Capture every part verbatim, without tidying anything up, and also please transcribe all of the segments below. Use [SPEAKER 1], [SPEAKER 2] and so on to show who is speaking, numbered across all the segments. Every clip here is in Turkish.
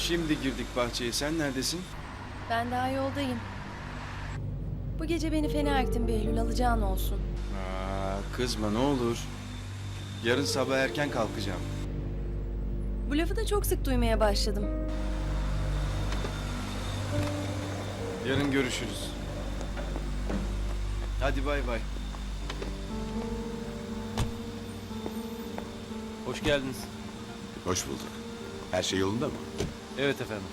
[SPEAKER 1] Şimdi girdik bahçeye. Sen neredesin?
[SPEAKER 2] Ben daha yoldayım. Bu gece beni fena ettin Behlül, alacağın olsun.
[SPEAKER 1] Aa, kızma ne olur. Yarın sabah erken kalkacağım.
[SPEAKER 2] Bu lafı da çok sık duymaya başladım.
[SPEAKER 1] Yarın görüşürüz. Hadi bay bay.
[SPEAKER 3] Hoş geldiniz.
[SPEAKER 4] Hoş bulduk. Her şey yolunda mı?
[SPEAKER 3] Evet efendim.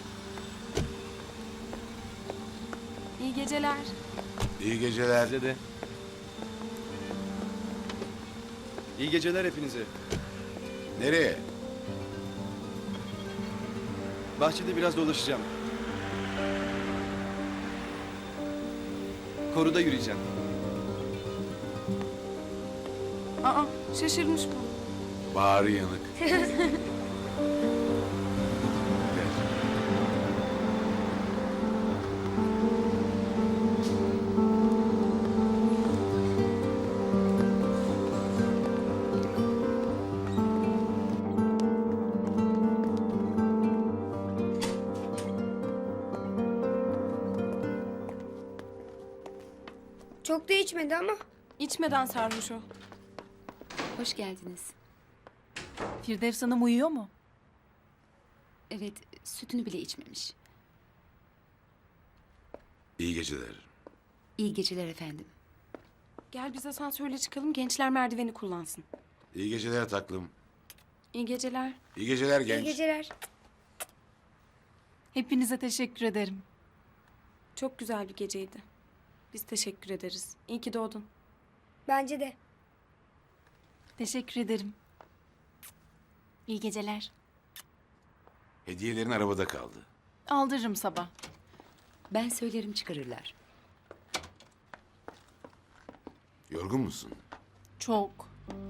[SPEAKER 2] İyi geceler.
[SPEAKER 4] İyi geceler.
[SPEAKER 3] Size de.
[SPEAKER 1] İyi geceler hepinize.
[SPEAKER 4] Nereye?
[SPEAKER 1] Bahçede biraz dolaşacağım. Koruda yürüyeceğim.
[SPEAKER 2] Aa, şaşırmış bu.
[SPEAKER 4] Bağrı yanık. Gel.
[SPEAKER 5] Çok da içmedi ama.
[SPEAKER 2] İçmeden sarmış o.
[SPEAKER 6] Hoş geldiniz.
[SPEAKER 2] Firdevs Hanım uyuyor mu?
[SPEAKER 6] Evet, sütünü bile içmemiş.
[SPEAKER 4] İyi geceler.
[SPEAKER 6] İyi geceler efendim.
[SPEAKER 2] Gel biz asansörle çıkalım, gençler merdiveni kullansın.
[SPEAKER 4] İyi geceler taklım.
[SPEAKER 2] İyi geceler.
[SPEAKER 4] İyi geceler genç.
[SPEAKER 5] İyi geceler.
[SPEAKER 2] Hepinize teşekkür ederim. Çok güzel bir geceydi. Biz teşekkür ederiz. İyi ki doğdun.
[SPEAKER 5] Bence de.
[SPEAKER 2] Teşekkür ederim. İyi geceler.
[SPEAKER 4] Hediyelerin arabada kaldı.
[SPEAKER 2] Aldırırım sabah.
[SPEAKER 6] Ben söylerim çıkarırlar.
[SPEAKER 4] Yorgun musun?
[SPEAKER 2] Çok.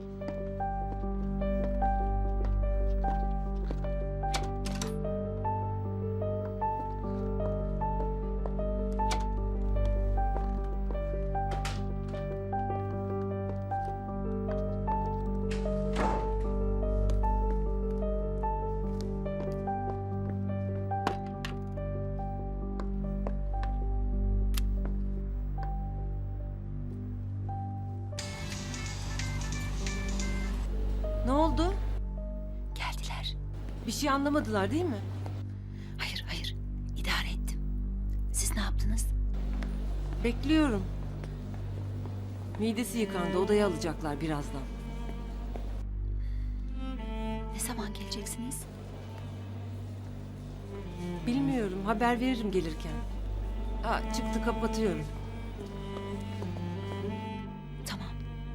[SPEAKER 7] Ne oldu?
[SPEAKER 6] Geldiler.
[SPEAKER 7] Bir şey anlamadılar değil mi?
[SPEAKER 6] Hayır, hayır. İdare ettim. Siz ne yaptınız?
[SPEAKER 7] Bekliyorum. Midesi yıkandı. Odaya alacaklar birazdan.
[SPEAKER 6] Ne zaman geleceksiniz?
[SPEAKER 7] Bilmiyorum. Haber veririm gelirken. Aa, çıktı kapatıyorum.
[SPEAKER 6] Tamam.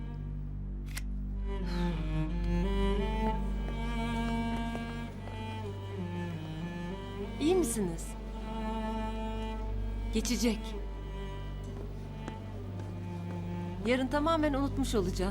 [SPEAKER 7] İyi misiniz? Geçecek. Yarın tamamen unutmuş olacağız.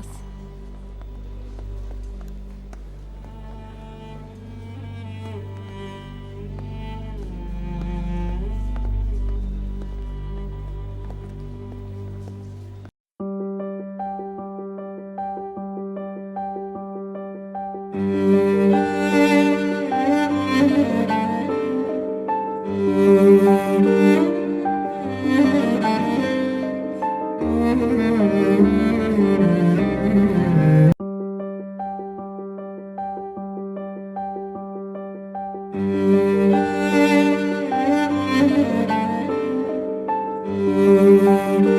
[SPEAKER 5] Müzik